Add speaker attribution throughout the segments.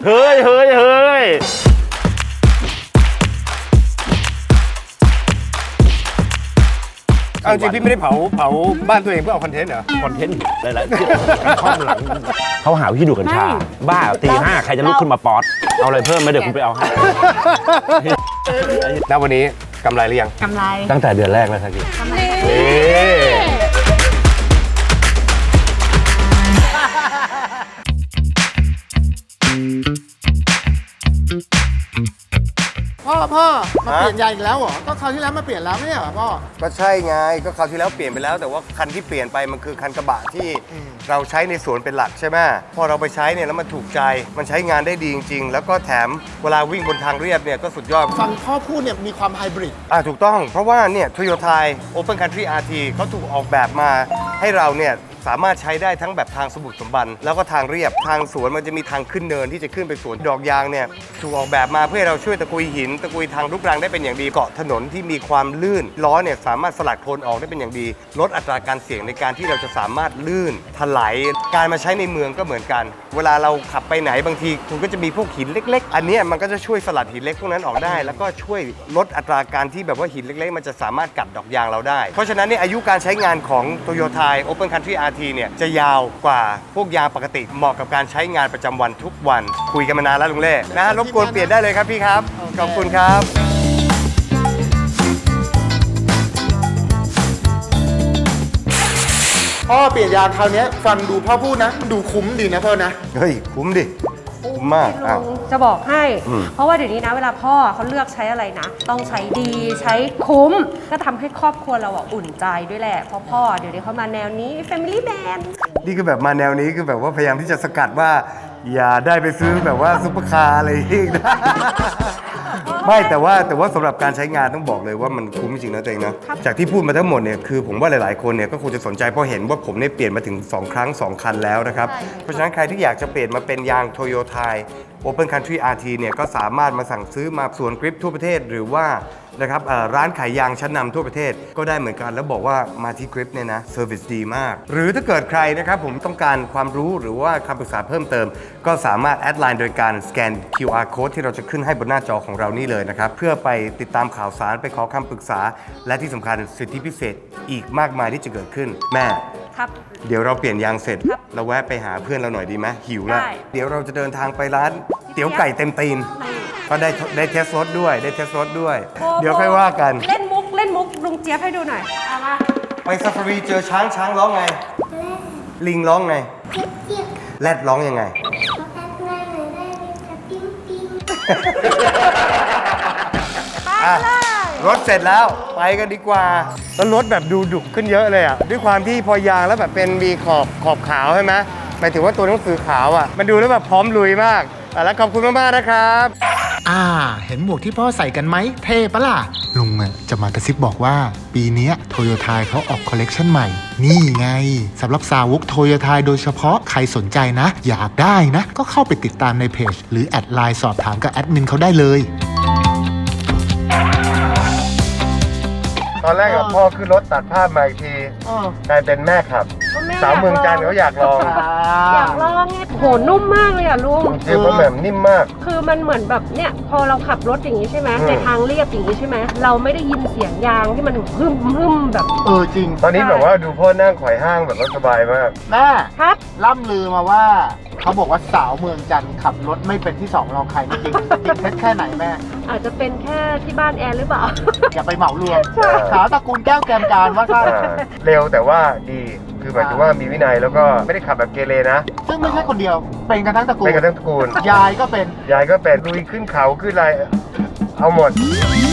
Speaker 1: เฮ้ย
Speaker 2: เอาจริงพี่ไม่ได้เผาบ้านตัวเองเพื่อเอาคอนเทนต์เหรอ
Speaker 1: คอนเทนต์หลายๆที่ข้อมหลังเขาหาวิธีดูดกัญชาบ้าตี 5ใครจะลุกขึ้นมาป๊อตเอาอะไรเพิ่มไหมเดี๋ยวคุณไปเอาให้
Speaker 2: แล้ววันนี้กำไรหรือยัง
Speaker 3: กำไร
Speaker 1: ตั้งแต่เดือนแรกแล้วครับพี่
Speaker 4: พ่อมาเปลี่ยนยางอีกแล้วเหรอก็คราวที่แล้วมาเปลี่ยนแล้วไม่ใช่เหรอพ่อ
Speaker 2: ก็ใช่ไงก็คราวที่แล้วเปลี่ยนไปแล้วแต่ว่าคันที่เปลี่ยนไปมันคือคันกระบะที่เราใช้ในสวนเป็นหลักใช่ไหมพอเราไปใช้เนี่ยแล้วมันถูกใจมันใช้งานได้ดีจริงๆแล้วก็แถมเวลาวิ่งบนทางเรียบเนี่ยก็สุดยอด
Speaker 4: ฟังพ่อพูดเนี่ยมีความไฮบริด
Speaker 2: ถูกต้องเพราะว่าเนี่ย Toyota Open Country RT เขาถูกออกแบบมาให้เราเนี่ยสามารถใช้ได้ทั้งแบบทางสมบุกสมบันแล้วก็ทางเรียบทางสวนมันจะมีทางขึ้นเนินที่จะขึ้นไปสวนดอกยางเนี่ยถูกออกแบบมาเพื่อให้เราช่วยตะกุยหินตะกุยทางลูกรังได้เป็นอย่างดีเกาะถนนที่มีความลื่นล้อเนี่ยสามารถสลัดโคลนออกได้เป็นอย่างดีลดอัตราการเสี่ยงในการที่เราจะสามารถลื่นถลายการมาใช้ในเมืองก็เหมือนกัน เวลาเราขับไปไหนบางทีคุณก็จะมีพวกหินเล็กๆอันนี้มันก็จะช่วยสลัดหินเล็กพวกนั้นออกได้แล้วก็ช่วยลดอัตราการที่แบบว่าหินเล็กๆมันจะสามารถกัดดอกยางเราได้เพราะฉะนั้นเนี่ยอายุการใช้งานของ Toyota Open Country RT เนี่ยจะยาวกว่าพวกยางปกติเหมาะกับการใช้งานประจำวันทุกวันคุยกันมานานแล้วลุงเล่นะฮะรบกวนเปลี่ยนได้เลยครับพี่ครับขอบคุณครับ
Speaker 4: พ่อเปลี่ยนยางคราวนี้ฟังดูพ่อพูดนะดูคุ้มดีนะพ่อนะ
Speaker 2: เฮ้ยคุ้มดิคุ้มมากอ้าว
Speaker 3: จะบอกให้ เพราะว่าเดี๋ยวนี้นะเวลาพ่อเขาเลือกใช้อะไรนะ ต้องใช้ดีใช้คุ้ม ก็ทำให้ครอบครัวเราอุ่นใจด้วยแหละเพราะพ่อเดี๋ยวนี้เขามาแนวนี้ Family Man
Speaker 2: นี่คือแบบมาแนวนี้คือแบบว่าพยายามที่จะสกัดว่า อย่าได้ไปซื้อแบบว่าซุปเปอร์คาร์อะไรอีกนะ ไม่แต่ว่าสำหรับการใช้งานต้องบอกเลยว่ามันคุ้มจริงนะตัวเองนะจากที่พูดมาทั้งหมดเนี่ยคือผมว่าหลายๆคนเนี่ยก็คงจะสนใจเพราะเห็นว่าผมเนี่ยเปลี่ยนมาถึง2 ครั้ง 2 คันแล้วนะครับเพราะฉะนั้นใครที่อยากจะเปลี่ยนมาเป็นยาง Toyota Open Country RT เนี่ยก็สามารถมาสั่งซื้อมาสวนกริปทั่วประเทศหรือว่านะครับร้านขายยางชั้นนำทั่วประเทศก็ได้เหมือนกันแล้วบอกว่ามาที่กริปเนี่ยนะเซอร์วิสดีมากหรือถ้าเกิดใครนะครับผมต้องการความรู้หรือว่าคำปรึกษาเพิ่มเติมก็สามารถแอดไลน์โดยการสแกน QR code ที่เราจะขึ้นให้บนหน้าจอของเรานี่เลยนะครับเพื่อไปติดตามข่าวสารไปขอคำปรึกษาและที่สำคัญสิทธิพิเศษอีกมากมายที่จะเกิดขึ้นแม่
Speaker 3: ครับ
Speaker 2: เดี๋ยวเราเปลี่ยนยางเสร็จ
Speaker 3: ครับ
Speaker 2: เราแวะไปหาเพื่อนเราหน่อยดีไหมหิวแล้ว
Speaker 3: ได้
Speaker 2: เดี๋ยวเราจะเดินทางไปร้านเตี๋ยวไก่เต็มตีน ก็ได้เทสรสด้วยได้เทสรสด้วย เดี๋ยวค่อยว่ากัน
Speaker 3: เล่นมุกลุงเจี๊ยบให้ดูหน่อยเอามา
Speaker 2: ไปซาฟารีเจอช้างร้องไง ลิงร้องไงแรดร้องยังไง อ่ะรถเสร็จแล้วไปกันดีกว่าแล้วรถแบบดูดุขึ้นเยอะเลยอ่ะด้วยความที่พอยางแล้วแบบเป็นมีขอบขาวใช่ไหมหมายถึงว่าตัวหนังสือขาวอ่ะมันดูแล้วแบบพร้อมลุยมากแล้วขอบคุณมากๆนะครับ
Speaker 4: เห็นหมวกที่พ่อใส่กันไหมเท่ปะล่ะลุงจะมากระซิบบอกว่าปีนี้โตโยต้าเขาออกคอลเลกชันใหม่นี่ไงสำหรับสาวกโตโยต้าโดยเฉพาะใครสนใจนะ อยากได้นะ ก็เข้าไปติดตามในเพจหรือแอดไลน์สอบถามกับแอดมินเขาได้เลย
Speaker 2: ตอนแรกกับพ่อขึ้นรถตัดภาพมาอีกทีกลายเป็นแม่ขับสาวเมืองจันทร์เขาอยากลอง
Speaker 3: อยากลองไงโหนุ่มมากเลยอ่ะลุง
Speaker 2: จริงๆเพราะแบบนิ่มมาก
Speaker 3: คือมันเหมือนแบบเนี่ยพอเราขับรถอย่างนี้ใช่ไหมในทางเรียบอย่างนี้ใช่ไหมเราไม่ได้ยินเสียงยางที่มันฮึมแบบ
Speaker 4: จริง
Speaker 2: ตอนนี้แบบว่าดูพ่อนั่งไขว่ห้างแบบว่าสบายมาก
Speaker 4: แม่
Speaker 3: ครับ
Speaker 4: ล่ำลือมาว่าเขาบอกว่าสาวเมืองจันทร์ขับรถไม่เป็นที่สองรองใครจริงจริงเท็จแค่ไหนแม่
Speaker 3: อาจจะเป็นแค่ที่บ้านแอนหรือเปล่า
Speaker 4: อย่าไปเหมารวม
Speaker 2: ใช่
Speaker 4: สาวตระกูลแก้วแกมการว่าสั้น
Speaker 2: เร็วแต่ว่าดีคือหมายถึงว่ามีวินัยแล้วก็ไม่ได้ขับแบบเกเรนะ
Speaker 4: ซึ่งไม่ใช่คนเดียว เป็นกันทั้งตระกูล
Speaker 2: เป็นกันทั้งตระกูล
Speaker 4: ยายก็เป็น
Speaker 2: ยายก็เป็นลุยขึ้นเขาขึ้นอะไรเอาหมด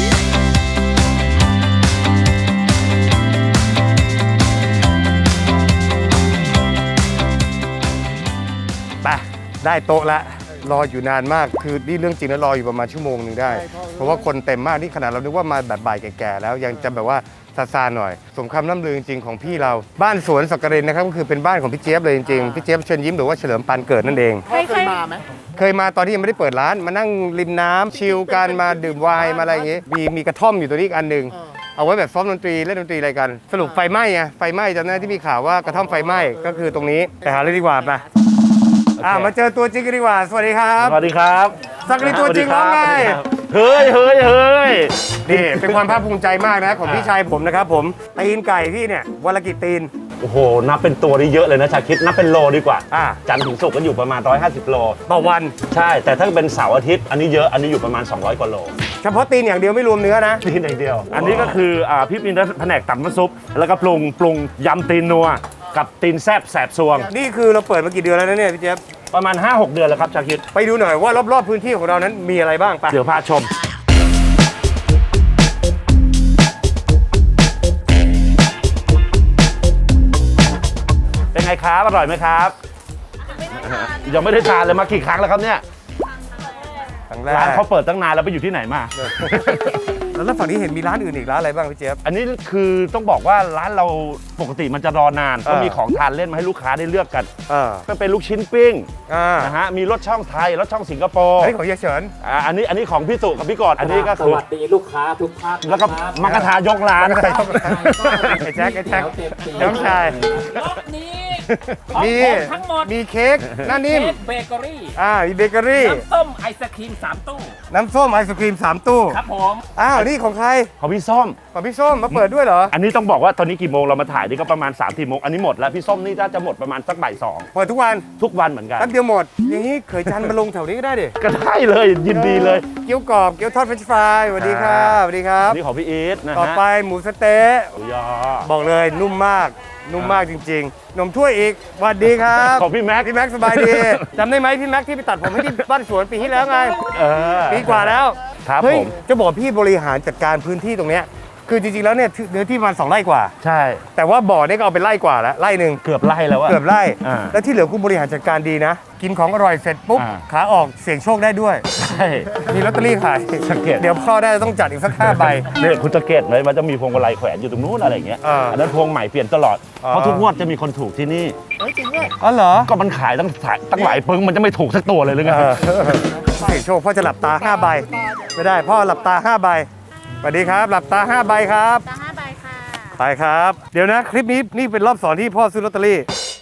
Speaker 2: ไปได้โต๊ะละรออยู่นานมากคือนี่เรื่องจริงแล้วรออยู่ประมาณชั่วโมงหนึ่งได้ เพราะว่าคนเต็มมากนี่ขนาดเรานึกว่ามาแบบบ่ายแก่ๆแล้วยังจะแบบว่าซาๆหน่อยสมคำล่ำลือจริงๆของพี่เราบ้านสวนสักกรินนะครับก็คือเป็นบ้านของพี่เจี๊ยบเลยจริงๆพี่เจี๊ยบเชิญยิ้มหรือว่าเฉลิมปานเกิดนั่นเอง
Speaker 4: พ่อเคยมาไหม
Speaker 2: เคยมาตอนที่ยังไม่ได้เปิดร้านมานั่งริมน้ำชิลกันมาดื่มไวน์มาอะไรอย่างงี้ มีกระท่อมอยู่ตัวนี้อีกอันหนึ่งเอาไว้แบบซ้อมดนตรีเล่นดนตรีอะไรกันสรุปไฟไหม้ไงไฟไหม้จำได้ที่มีข่าวว่ากระท่อมไฟไหม้ก็คือตรงนี้ไปหาเลยดีกว่าไปมาเจอตัวจริงกันดีกว่า สวัสดีครับ
Speaker 1: สวัสดีครับ
Speaker 2: สักนิดตัวจริงร้องไง
Speaker 1: เฮ้ย
Speaker 2: นี่เป็นความภาคภูมิใจมากนะของพี่ชายผมนะครับผมตีนไก่พี่เนี่ยวันละกี่ตีน
Speaker 1: โอ้โห นับเป็นตัวนี่เยอะเลยนะชาคิดนับเป็นโลดีกว่า จันทร์ถึงศุกร์ก็อยู่ประมาณ 150 โล
Speaker 2: ต่อวัน
Speaker 1: ใช่ แต่ถ้าเป็นเสาร์อาทิตย์ อันนี้เยอะ อันนี้อยู่ประมาณ 200 กว่าโล
Speaker 2: เฉพาะตีนอย่างเดียวไม่รวมเนื้อนะ
Speaker 1: ตีนอย่างเดียว อันนี้ก็คือพี่มีแผนกตำน้ำซุป แล้วก็ปรุงยำตีนนัว กับตีนแซบแสบซวง
Speaker 2: นี่คือเราเปิดมากี่เดือนแล้วนะเนี่ยพี่เจี๊ยบ
Speaker 1: ประมาณ 5-6 เดือนแล้วครับชาคิด
Speaker 2: ไปดูหน่อยว่ารอบๆพื้นที่ของเรานั้นมีอะไรบ้างไป
Speaker 1: เดี๋ยวพาชม เป็นไงครับ อร่อยไหมครับ ยังไม่ได้ทานเลยมากี่ครั้งแล้วครับเนี่ย
Speaker 2: ครั้งแรก
Speaker 1: ร้านเขาเปิดตั้งนานแล้วไปอยู่ที่ไหนมา
Speaker 2: แล้วฝั่งนี้เห็นมีร้านอื่นอีกร้านอะไรบ้างพี่เจี๊ยบ
Speaker 1: อันนี้คือต้องบอกว่าร้านเราปกติมันจะรอนาน ก็มีของทานเล่นมาให้ลูกค้าได้เลือกกัน ก็เป็นลูกชิ้นปิ้งนะฮะ มีรสช่องไทย รสช่องสิงคโปร์
Speaker 2: อันนี้ของเฮียเฉิน
Speaker 1: อันนี้ของพี่สุกับพี่กอดอันนี้ก็
Speaker 5: ส
Speaker 1: คือ
Speaker 5: วัสดีลูกค้าทุกท่าน
Speaker 1: แล้วก็มักกะทายกร้าน
Speaker 2: ไอ้แจ็คน้องชาย
Speaker 5: รอบนี้ของ
Speaker 2: มี
Speaker 5: ผมทั้งหมด
Speaker 2: มีเค้กหน้านิ่ม
Speaker 5: เค้กเบเกอรี่
Speaker 2: มีเบเกอรี่
Speaker 5: น้ำส้มไอศครีม3 ตู้
Speaker 2: น้ำส้มไอศครีม3 ตู้
Speaker 5: ครับผม
Speaker 2: นี่ของใคร
Speaker 1: ของพี่ส้ม
Speaker 2: ของพี่ส้มมาเปิดด้วยเหรอ
Speaker 1: อันนี้ต้องบอกว่าตอนนี้กี่โมงเรามาถ่ายนี่ก็ประมาณ3-4 โมง อันนี้หมดแล้วพี่ส้มนี่น่าจะหมดประมาณสักบ่าย
Speaker 2: เปิดทุกวัน
Speaker 1: 2ทุกวันเหมือนกัน
Speaker 2: แป๊บเดียวหมด อย่างนี้เขยจันทร์มาลงแถวนี้ก็ได้ดิ
Speaker 1: ก็ได้เลยยินดีเลย
Speaker 2: เกี๊ยวกรอบ เกี๊ยวทอดเฟรนช์ฟรายสวัสดีครับสวัสดีครับ
Speaker 1: นี่ของพี่อีทนะฮะ
Speaker 2: ต่อไปหมูสะเต๊ะ
Speaker 1: หมูยอ
Speaker 2: บอกเลยนุ่มมาก นุ่มมากจริงๆ นมถ้วยอีกสวัสดีครับ
Speaker 1: ของพี่แม็ก
Speaker 2: พี่แม็กสบายดี จำได้ไหมพี่แม็กที่ไปตัดผมให้ที่บ้านสวนปีที่แล้วไง ปีกว่าแล้ว
Speaker 1: ครับ
Speaker 2: เฮ้ย
Speaker 1: ผม
Speaker 2: จะบอกพี่บริหารจัดการพื้นที่ตรงเนี้ยคือจริงๆแล้วเนี่ยเนื้อที่ประมาณ2 ไร่กว่า
Speaker 1: ใช่
Speaker 2: แต่ว่าบ่อเนี่ยก็เอาเป็นไร่กว่าแล้วไร่หนึ่ง
Speaker 1: เกือบไล่แล้วอะ
Speaker 2: เกือบไร่
Speaker 1: อ่า
Speaker 2: แล้วที่เหลือคุณบริหารจัดการดีนะ กินของอร่อยเสร็จปุ๊บ
Speaker 1: อ่า
Speaker 2: ขาออกเสี่ยงโชคได้ด้วย
Speaker 1: ใช่
Speaker 2: มีลอตเตอรี่ขาย
Speaker 1: สังเกต
Speaker 2: เดี๋ยวพ่อได้ต้องจัดอีกสัก5 ใบ
Speaker 1: เนี่ยคุณสังเกตไหมมันจะมีพวงมาลัยแขวนอยู่ตรงนู้นอะไรอย่างเงี้ย
Speaker 2: อั
Speaker 1: อันนั้นพวงใหม่เปลี่ยนตลอด เพราะทุกงวดจะมีคนถูกที่นี่
Speaker 2: อ๋อเหรอ
Speaker 1: ก็มันขายตั้งหลายปึ้งมันจะไม่ถูกสักตัวเลยหรือไง
Speaker 2: เสี่ยงโชคพ่อจะหลับตา5 ใบไม่ได้พ่อหลับตา5 ใบสวัสดีครับ หลับตา5 ใบครับ
Speaker 6: ตา5 ใบค่ะ
Speaker 2: ไปครับ เดี๋ยวนะคลิปนี้นี่เป็นรอบสอนที่พ่อซื้อลอตเตอรี่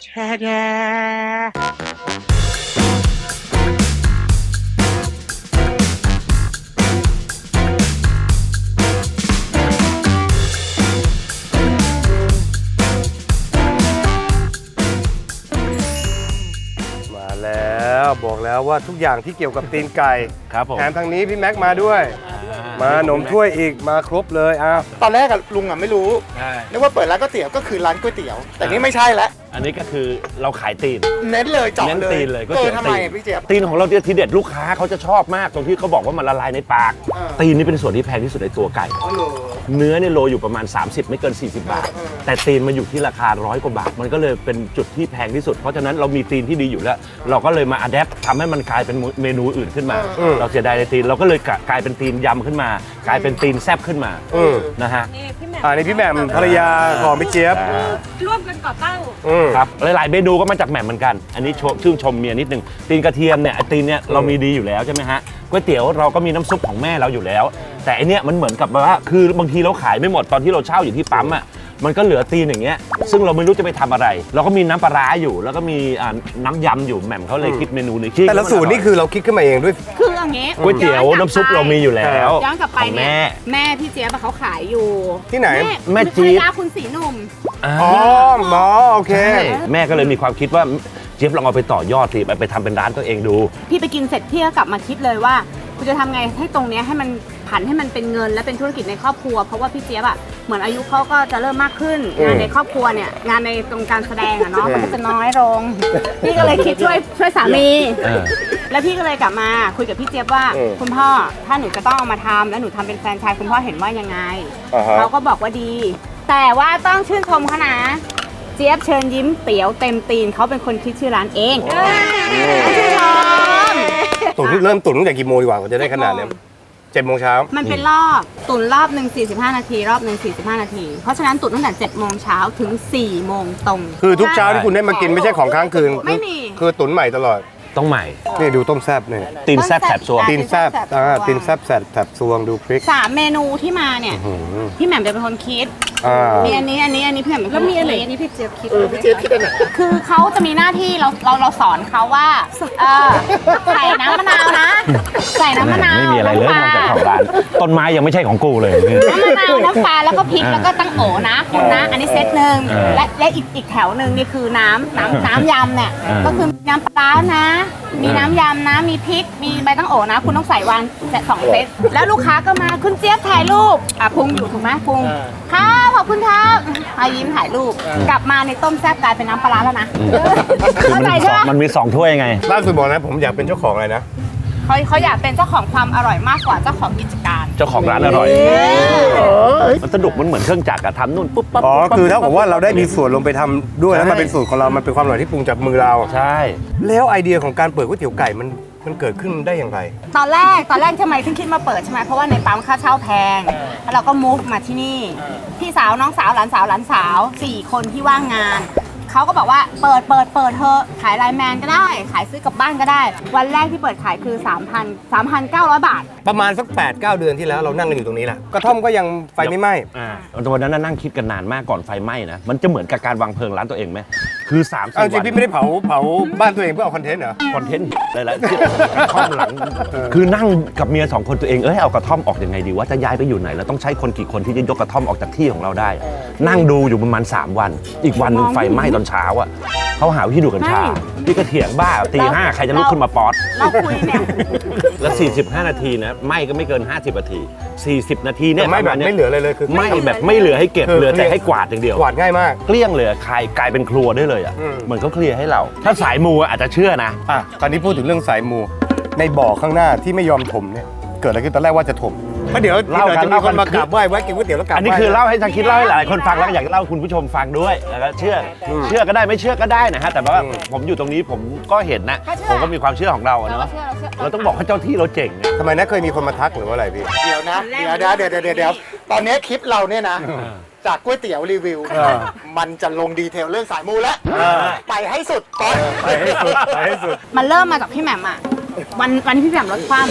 Speaker 2: มาแล้วบอกแล้วว่าทุกอย่างที่เกี่ยวกับตีนไก่
Speaker 1: ครับผม
Speaker 2: แถมทางนี้พี่แม็กมาด้วย มาหนมถ้วยอีกมาครบเลยอ้าว
Speaker 4: ตอนแรกอะลุงอะไม่รู้
Speaker 1: ใช่
Speaker 4: นึกว่าเปิดร้านก๋วยเตี๋ยวก็คือร้านก๋วยเตี๋ยว แต่นี่ไม่ใช่แล้ว
Speaker 1: อันนี้ก็คือเราขายตีน
Speaker 4: เน้นเลยเจาะ
Speaker 1: เน้น
Speaker 4: เลย
Speaker 1: ตีนเลยก๋วยเตี๋ยว
Speaker 4: ทำไม
Speaker 1: ตีน
Speaker 4: อะพี่เจี๊ยบ
Speaker 1: ตีนของเราเนี่ยทีเด็ดลูกค้าเขาจะชอบมากตรงที่เขาบอกว่ามันละลายในปาก ตีนนี่เป็นส่วนที่แพงที่สุดในตัวไก่ เนื้อเนี่ยโลอยู่ประมาณ 30 ไม่เกิน 40 บาท แต่ตีนมาอยู่ที่ราคา100 กว่าบาท มันก็เลยเป็นจุดที่แพงที่สุด เพราะฉะนั้นเรามีตีนที่ดีอยู่แล้ว เราก็เลยมาอัดแอปทำให้มันกลายเป็นเมนูอื่นขึ้นมา เราเสียดายในตีนเราก็เลยกลายเป็นตีนยำขึ้นมา กลายเป็นตีนแซบขึ้นมานะฮะ
Speaker 3: นี่พี่แหม่ม
Speaker 2: นี่พี่แหม่มภรรยาของพี่เจี๊ยบ
Speaker 3: ร่วมกันก่อตั้ง
Speaker 1: ครับหลายๆเมนูก็มาจากแหม่มเหมือนกัน อันนี้ชื่นชมเมียนิดนึงตีนกระเทียมเนี่ยไอ้ตีนเนี่ยเรามีดีอยู่แล้วใช่ไหมฮะก๋วยเตี๋ยวเราก็มีน้ำซุปของแม่เราอยู่แล้ว แต่อันเนี้ยมันเหมือนกับว่าคือบางทีเราขายไม่หมดตอนที่เราเช่าอยู่ที่ปั๊มอ่ะมันก็เหลือตีนอย่างเงี้ยซึ่งเราไม่รู้จะไปทำอะไร เราก็มีน้ำปลาร้าอยู่ แล้วก็มีน้ำยำอยู่แหม่มเขาเลยคิดเมนูนี้
Speaker 2: แต่ละสูตรนี่คือเราคิดขึ้นมาเองด้วย
Speaker 6: คืออย่างงี้
Speaker 1: ก๋วยเตี๋ยวน้ำซุปเรามีอยู่แล้ว
Speaker 6: ย้อนกลับไป
Speaker 1: ของ
Speaker 6: เนี่ย
Speaker 1: แม่
Speaker 6: แม่พี่เจี๊ยบอะเขาขายอยู่
Speaker 2: ที่ไหน
Speaker 1: แม่จี๊ด
Speaker 6: ภรรยาคุณสีหนุ่ม
Speaker 2: อ๋อหมอโอเค
Speaker 1: ใช่แม่ก็เลยมีความคิดว่าเจี๊ยบลองเอาไปต่อยอดสิไปทำเป็นร้านตัวเองดู
Speaker 6: พี่ไปกินเสร็จพี่ก็กลับมาคิดเลยว่าคุณจะทำไงให้ตรงเนี้ยให้มันผันให้มันเป็นเงินและเป็นธุรกิจในครอบครัว เพราะว่าพี่เจี๊ยบอะเหมือนอายุเขาก็จะเริ่มมากขึ้น งานในครอบครัวเนี่ยงานในตรงการแสดงอะเนาะมันก็จะน้อยลง พี่ก็เลยคิดช่วยสามี แล้วพี่ก็เลยกลับมาคุยกับพี่เจี๊ยบว่า คุณพ่อถ้าหนูจะต้องเอามาทำแล้วหนูทำเป็นแฟรนไชส์คุณพ่อเห็นว่ายังไง เขาก็บอกว่าดี แต่ว่าต้องชื่นชมเขานะเจี๊ยบเชิญยิ้มเตี๋ยวเต็มตีนเขาเป็นคนคิดชื่อร้านเองชื่นชม
Speaker 2: ตุ๋นเริ่มตุ๋นตั้งแต่กี่โมงดีกว่าจะได้ขนาดเนี้ย7 โมงเช้า
Speaker 6: มันเป็นรอบตุ๋นรอบหนึ่ง45 นาทีรอบหนึ่ง45 นาที เพราะฉะนั้นตุ๋นตั้งแต่7 โมงเช้าถึง4 โมงตรง
Speaker 2: คือทุกเช้าที่คุณได้มากินไม่ใช่ของค้างคืน
Speaker 6: ไม่มี
Speaker 2: คือตุ๋นใหม่ตลอด
Speaker 1: ต้องใหม่
Speaker 2: นี่ดูต้มแซ่บเนี่ย
Speaker 1: ตีนแซบแถบซวง
Speaker 2: ตีนแซ่บตีนแซ่บแถบซวงดูพริก
Speaker 6: 3 เมนูที่มาเนี่ยพี่แหม่มเป็นคนคิด มีอันนี้พี่แหม่มเป็นคนคิดแล้วมีอะไรอันนี้พี่เจี๊ยบคิดพี่เจี๊ยบคิดอะไรคือเขาจะมีหน้าที่เราสอนเขาว่าใส่น้ำมะนาวนะ ใส่น้ำมะนาว
Speaker 1: ไม่มีอะไรเลยนอกจากของร้านต้นไม้ยังไม่ใช่ของกูเลย
Speaker 6: น้ำมะนาวน้ำปลาแล้วก็พริกแล้วก็ตั้งโอนะคุณนะ อันนี้เซตหนึ่งและอีกแถวหนึ่งนี่คือน้ำยำเนี่ยก็คือมีน้ำปลานะ มีน้ำยำนะมีพริกมีใบตั้งโอนะ คุณต้องใส่วาง2 เซตแล้วลูกค้าก็มาคุณเจี๊ยบถ่ายรูปพุงอยู่ถูกไหมพุงครับขอบคุณครับยิ้มถ่ายรูปกลับมาในต้มแซ่บกลายเป็นน้ำปลาร้าแล้วนะ
Speaker 1: คือ
Speaker 6: เข้าใจใช่ไหม
Speaker 1: มันมี2 ถ้วยไง
Speaker 2: ล่าสุดบอกนะผมอยากเป็นเจ้าของอะไรนะ
Speaker 6: เขาอยากเป็นเจ้าของความอร่อยมากกว่าเจ้าของกิจการ
Speaker 1: เจ้าของร้านอร่อยมันสนุกมันเหมือนเครื่องจักรอะทำนู่นปุ๊บปั๊บ
Speaker 2: อ๋อ
Speaker 1: ปุ๊บปั๊บ
Speaker 2: คือเท่ากับว่าเราได้มีส่วนลงไปทำด้วยแล้วมันเป็นสูตรของเรามันเป็นความอร่อยที่ปรุงจากมือเรา
Speaker 1: ใช่
Speaker 2: แล้วไอเดียของการเปิดก๋วยเตี๋ยวไก่มันเกิดขึ้นได้อย่างไร
Speaker 6: ตอนแรกทำไมถึงคิดมาเปิดใช่ไหมเพราะว่าในปั๊มค่าเช่าแพงแล้วเราก็มูฟมาที่นี่พี่สาวน้องสาวหลานสาว4 คนที่ว่างงานเขาก็บอกว่าเปิดเถอะขายไลน์แมนก็ได้ขายซื้อกลับบ้านก็ได้ วันแรกที่เปิดขายคือ 3,900 บาท
Speaker 2: ประมาณสัก 8-9 เดือนที่แล้วเรานั่งกันอยู่ตรงนี้แหละกระท่อมก็ยังไฟไม่ไหม้
Speaker 1: ตอนนั้นนะนั่งคิดกันนานมากก่อนไฟไหม้นะมันจะเหมือนกับการวางเพลิงร้านตัวเองไหมคือ3-4
Speaker 2: เอาจริ
Speaker 1: วั
Speaker 2: ง
Speaker 1: น
Speaker 2: พี่ไม่ได้เผาบ้านตัวเองเพื่อเอาคอนเทนต์เหรอ
Speaker 1: คอนเทนต์หลายๆข้อมหลังคือนั่งกับเมีย2 คนตัวเองเอากระท่อมออกยังไงดีว่าจะย้ายไปอยู่ไหนแล้วต้องใช้คนกี่คนที่จะยกกระท่อมออกจากที่ของเราได้ นั่งดูอยู่ประมาณ3 วันอีกวันหนึงไฟไหม้ตอนเช้าอ่ะเขาหาวิธีดูดกัญชาพี่ก็เถียงบ้าตี 5ใครจะลุกขึ้นมาป๊อต
Speaker 6: เราคุยเนี่ย
Speaker 1: แล้ว45 นาทีนะไหม้ก็ไม่เกิน50 นาที40 นาทีเนี่ย
Speaker 2: แต่ไม่แบบไม่เหลืออะไรเลยคือ
Speaker 1: ไหม้แบบไม่เหลือให้เก็บเหลือแต่ให้กวาดอย่างเดียว
Speaker 2: กวาดง่ายมาก
Speaker 1: เกลี้ยงเลยกลายเป็นครัวได้เลยอ่ะ เหมือนเขาเคลียร์ให้เรา ถ้าสายมูอาจจะเชื่อนะ
Speaker 2: ตอนนี้พูดถึงเรื่องสายมูในบ่อข้างหน้าที่ไม่ยอมถมเนี่ยเกิดอะไรขึ้นตอนแรกว่าจะถมเพราะเดี๋ยวจะมีคนมากราบไหว้แวะกินก๋วยเตี๋ยวแล้วกราบ
Speaker 1: อันนี้คือเล่าให้ทางคิดเล่าให้หลายคนฟังแล้วก็อยากเล่าให้คุณผู้ชมฟังด้วยแล้วก็เชื่อก็ได้ไม่เชื่อก็ได้นะฮะแต่ว่าผมอยู่ตรงนี้ผมก็เห็นนะผมก็มีความเชื่อของเราอะเนาะเราต้องบอกว่าเจ้าที่เราเจ๋งนะ
Speaker 2: ทำไมนะเคยมีคนมาทักหรือว่าอะไรพี่
Speaker 7: เดี๋ยวนะ เดี๋ยวตอนนี้คลิปเราเนี่ยนะ จากก๋วยเตี๋ยวรีวิว มันจะลงดีเทลเรื่องสายมูแล้ว ไปให้สุดก่อน
Speaker 2: ไปให้สุด
Speaker 6: มันเริ่มมาจากพี่แหม่มอะวันที่พี่แหม่มลดความ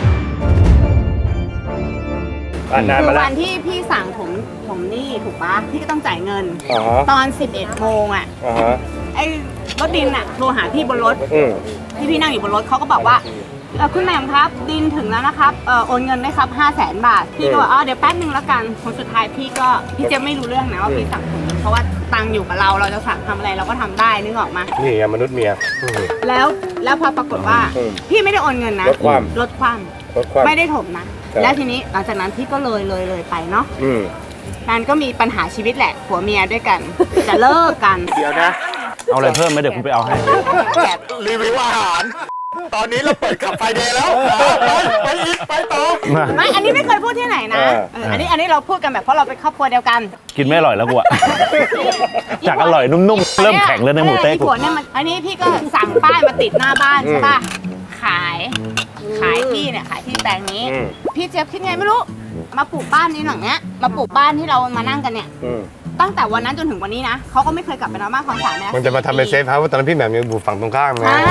Speaker 6: คือวันที่พี่สั่งผมนี่ถูกปะพี่ก็ต้องจ่ายเงิน ตอน 11 โมงอะไอ้รถดินอะโทรหาพี่บนรถที่พี่นั่งอยู่บนรถเขาก็บอกว่าคุณแหม่มครับดินถึงแล้วนะครับโอนเงินได้ครับ 500,000 บาทพี่ก็บอกเดี๋ยวแป๊บนึงแล้วกันผลสุดท้ายพี่เจะไม่รู้เรื่องนะว่าพี่สั่งผมเพราะว่าตังค์อยู่กับเราจะสั่งทำอะไรเราก็ทำได้นึกออกมา
Speaker 2: นี่ไงมนุษย์เมีย
Speaker 6: แล้วพอปรากฏว่าพี่ไม่ได้โอนเงินนะลดความไม่ได้ถมนะแล้วทีนี้หลังจากนั้นพี่ก็เลยไปเนาะการก็มีปัญหาชีวิตแหละผัวเมียด้วยกัน จะเลิกกัน
Speaker 7: เดี๋ยวนะ
Speaker 1: เอาอะไรเพิ่มไหมเดี๋ยวคุณไปเอาให้
Speaker 7: จากรีวิวอาหาร ตอนนี้เราเปิดขับไฟเดย์แล้ว ไปอีกไปต่อ
Speaker 6: ไม่อันนี้ไม่เคยพูดที่ไหนนะอันนี้เราพูดกันแบบเพราะเราเป็นครอบครัวเดียวกัน
Speaker 1: กินไม่อร่อยแล้วกูอะจากอร่อยนุ่มๆเริ่มแข็งเลยในหมูเต๊ก
Speaker 6: ผัวเนี่ยมันอันนี้พี่ก็สั่งป้ายมาติดหน้าบ้านใช่ป่ะขายที่เนี่ยขายที่แปลงนี้ พี่เจี๊ยบคิดไงไม่รู้มาปลูกบ้านนี้หลังเนี้ยมาปลูกบ้านที่เรามานั่งกันเนี่ยตั้งแต่วันนั้นจนถึงวันนี้นะเขาก็ไม่เคยกลับไปนอนบ้านของสามนะ
Speaker 2: มันจะมาทำเป็นเซฟเฮาส์ว่าตอนนั้นพี่แหม่มยังอยู่ฝั่งตรงข้ามไง
Speaker 6: ใช่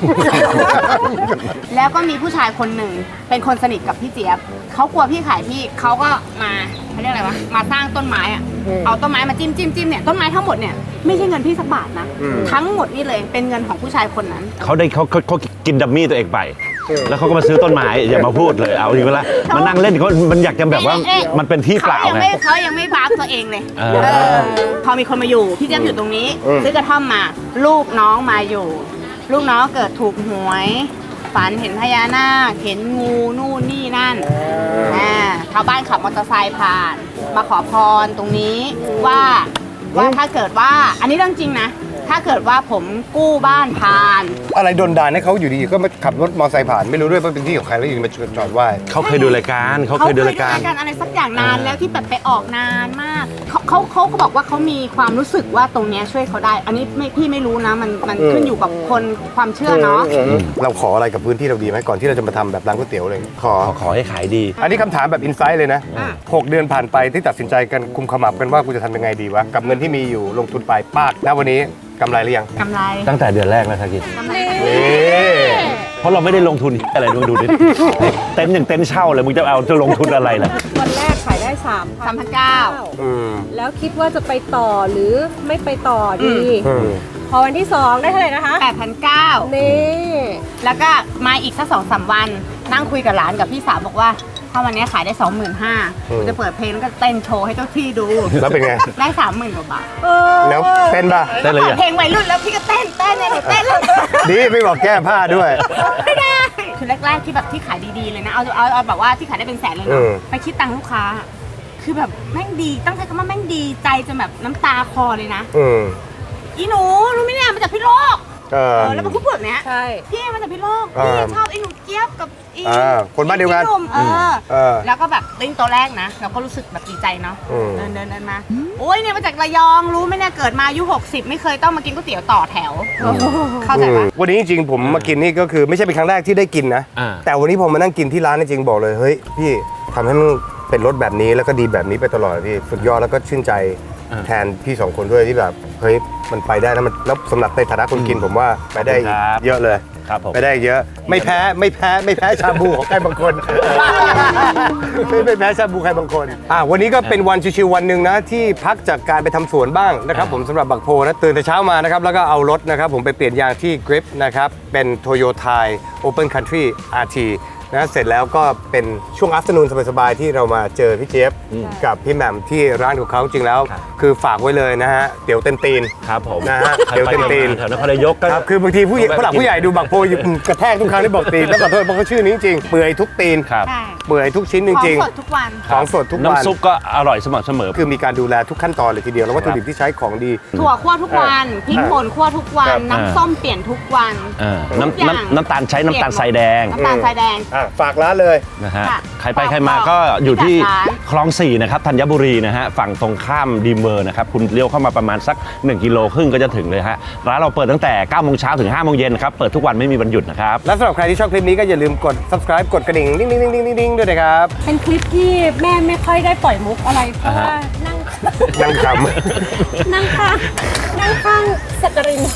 Speaker 6: แล้วก็มีผู้ชายคนหนึ่งเป็นคนสนิทกับพี่เจี๊ยบเขากลัวพี่ขายพี่เขาก็มาเขาเรียกอะไรวะมาสร้างต้นไม้อะเอาต้นไม้มาจิ้มเนี่ยต้นไม้ทั้งหมดเนี่ยไม่ใช่เงินพี่สักบาทนะทั้งหมดนี่เลยเป็นเงินของผู้ชายคนนั้น
Speaker 1: เขากินดัมมี่ตัวเองไป แล้วเขาก็มาซื้อต้นไม้อย่ามาพูดเลยเอาดีเวลามานั่งเล่นเขามันอยากจะแบบว่ามันเป็นที่เปล่าไง
Speaker 6: เขายังไม่บาร์ตัวเองเลยพอมีคนมาอยู่พี่เจี๊ยบอยู่ตรงนี้ซื้อกระท่อมมาลูกน้องมาอยู่ลูกน้องเกิดถูกหวยฝันเห็นพญานาคเห็นงูนู่นนี่นั่นชาวบ้านขับมอเตอร์ไซค์ผ่านมาขอพรตรงนี้ว่าถ้าเกิดว่าอันนี้เรื่องจริงนะถ้าเกิดว่าผมกู้บ้านผ่าน
Speaker 2: อะไรโดนด่าให้เขาอยู่ดีก็มาขับรถมอเตอร์ไซค์ผ่านไม่รู้ด้วยว่าเป็นที่ของใครแล้วอยู่มาจอดไหว้
Speaker 1: เขาเคยดูรายการเขาเคยดูรายการ
Speaker 6: อะไรสักอย่างนานแล้วที่แบบไปออกนานมากเขาก็บอกว่าเขามีความรู้สึกว่าตรงเนี้ยช่วยเขาได้ อันนี้พี่ไม่รู้นะมันขึ้นอยู่กับคนความเชื่อเนาะ
Speaker 2: เราขออะไรกับพื้นที่เราดีไหมก่อนที่เราจะมาทำแบบร้านก๋วยเตี๋ยวเลยขอ
Speaker 1: ให้ขายดี
Speaker 2: อันนี้คำถามแบบอินไซต์เลยนะ 6 เดือนผ่านไปที่ตัดสินใจกันคุมขมับกันว่ากูจะทำยังไงดีวะกับเงินที่มีอยู่ลงทุนไปปากณวันนี้กำไรหรือยัง
Speaker 6: กำไร
Speaker 1: ตั้งแต่เดือนแรกแล้วทักกิน
Speaker 6: กำไร
Speaker 1: เพราะเราไม่ได้ลงทุนอะไรดูดิ เต็นท์อย่างเต็นท์เช่าเลยมึงจะเอาจะลงทุนอะไรล่ะ
Speaker 3: วันแรกขายได้
Speaker 6: 3,900
Speaker 2: อืม
Speaker 3: แล้วคิดว่าจะไปต่อหรือไม่ไปต่อดี
Speaker 2: อืม
Speaker 3: พอวันที่ 2 ได้เท่าไหร่นะคะ
Speaker 6: 8,900
Speaker 3: นี่
Speaker 6: แล้วก็มาอีกสัก2-3 วัน นั่งคุยกับหลานกับพี่สาวบอกว่า ถ้าวันนี้ขายได้ 25,000กูจะเปิดเพลงแล้วก็เต้นโชว์ให้เจ้าที่ดู
Speaker 2: แล้วเป็นไง
Speaker 6: ได้ 30,000 กว่าบาท
Speaker 2: แล้วเต้นป่ะ
Speaker 1: ได้เลย
Speaker 6: เปิด
Speaker 1: อ่ะ
Speaker 6: เพลงวัยรุ่นแล้วพี่ก็เต้นเนี่ยหนูเต้นเลย
Speaker 2: ดีไม่บอกแก้ผ้าด้วย
Speaker 6: ไม่ได้คือแรกๆที่แบบที่ขายดีๆเลยนะ เอาแบบว่าที่ขายได้เป็นแสนเลย
Speaker 2: อื
Speaker 6: เนาะ
Speaker 2: ม
Speaker 6: ไปคิดตังค์ลูกค้า คือแบบแม่งดีต้องใช้คำว่าแม่งดีใจจนแบบน้ำตาคลอเลยนะ
Speaker 2: อืม
Speaker 6: อีหนูรู้ไหมเนี่ยมาจากพี่โลก แล้วมันพูดแบบเนี้ย
Speaker 3: ใช่
Speaker 6: พี่มาจากพี่โลก
Speaker 2: อ่า
Speaker 6: พี่ชอบไอ้หนูเจี๊ยบกับอี
Speaker 2: คนบ้านเดียวกัน
Speaker 6: พี่หมเออ
Speaker 2: เออ
Speaker 6: แล้วก็แบบติ้งตัวแรกนะ เราก็รู้สึกแบบดีใจเนาะ
Speaker 2: อืม
Speaker 6: เดินมา โอ้ยเนี่ยมาจากระยองรู้ไหมเนี่ยเกิดมาอายุ60 ไม่เคยต้องมากินก๋วยเตี๋ยวต่อแถว เข้าใจปะ
Speaker 2: วันนี้จริงๆผมมากินนี่ก็คือไม่ใช่เป็นครั้งแรกที่ได้กินนะ
Speaker 1: อ่า
Speaker 2: แต่วันนี้ผมมานั่งกินที่ร้านจริงๆบอกเลยเฮ้ยพี่ทำให้มันเป็นรสแบบนี้แล้วก็ดีแบบนี้ไปตลอดพี่สุดยอดแล้วก็ชื่นใจแทนพี่สองคนด้วยที่แบบเฮ้ยมันไปได้แล้วมันแล้วสำหรับในฐานะคนกินผมว่าไปได้
Speaker 1: ครับ
Speaker 2: เยอะเลย
Speaker 1: ครับผม
Speaker 2: ไปได้เยอะไม่แพ้ชาบูของใครบางคน ไม่แพ้ชาบูใครบางคนวันนี้ก็เป็นวันชิวๆวันหนึ่งนะที่พักจากการไปทำสวนบ้างนะครับผมสำหรับบักโพนะตื่นแต่เช้ามานะครับแล้วก็เอารถนะครับผมไปเปลี่ยนยางที่ Grip นะครับเป็น Toyota Open Country RT นะเสร็จแล้วก็เป็นช่วง afternoon สบายๆที่เรามาเจอพี่เจี๊ยบกับพี่แหม่มที่ร้านของเขาจริงแล้ว คือฝากไว้เลยนะฮะเตี๋ยวเต็มตีน
Speaker 1: ครับผม
Speaker 2: นะฮะ
Speaker 1: ใคร
Speaker 2: เดี๋ยว
Speaker 1: ไป
Speaker 2: ตีน
Speaker 1: แถวนครนายกก็
Speaker 2: ครับคือบางทีผู้ใหญ่ผู้หลักผู้ใหญ่ดูบักโพอยู่กระแทกทุกครั้งที่บอกตีนแล้วขอโทษเพราะเขาชื่อนี้จริงเปื่อยทุกตีน
Speaker 1: ครับ
Speaker 6: ใช่
Speaker 2: เปื่อยทุกชิ้นจ
Speaker 6: ของ
Speaker 2: ริง
Speaker 6: สดทุกวัน
Speaker 2: ๆของสดทุกวัน
Speaker 1: น้ำซุปก็อร่อยสม่ำเสมอ
Speaker 2: คือมีการดูแลทุกขั้นตอนเลยทีเดียวแล้ววัตถุดิบที่ใช้ของดี
Speaker 6: ถั่วคั่วทุกวันพริกป่นคั่วทุกวั
Speaker 2: ครั
Speaker 6: น
Speaker 2: บ
Speaker 6: น้ำส้มเปลี่ยนทุกวัน
Speaker 1: น้ำน้ำตาลใช้น้ำตาลทรายแดง
Speaker 6: น้ำตาลทรายแดง
Speaker 2: ฝากร้านเลย
Speaker 1: นะฮะ
Speaker 6: ค่ะ
Speaker 1: ใครไปใครมาก็อยู่ที่
Speaker 6: ร้าน
Speaker 1: คลอง 4 นะครับธัญบุรีนะฮะฝั่งตรงข้ามดีเมอร์นะครับคุณเลี้ยวเข้ามาประมาณสัก1 กิโลครึ่งก็จะถึงเลยฮะร้านเราเปิดตั้งแต่9 โมงเช้าถึง5 โมงเย็นนะครับเปิดทุกวันไม่มีวันหยุดนะครับ
Speaker 2: และสำหรับใครที่ชอบคลิปนี้ก็อย่าลืมกด subscribe กดกระดิ่งดิ้งๆๆๆๆด้วยนะครับ
Speaker 3: เป็นคลิปที่แม่ไม่ค่อยได้ปล่อยมุกอะไร เพราะว่านั่ง
Speaker 2: ยังข
Speaker 3: นั่งข้างสักกริน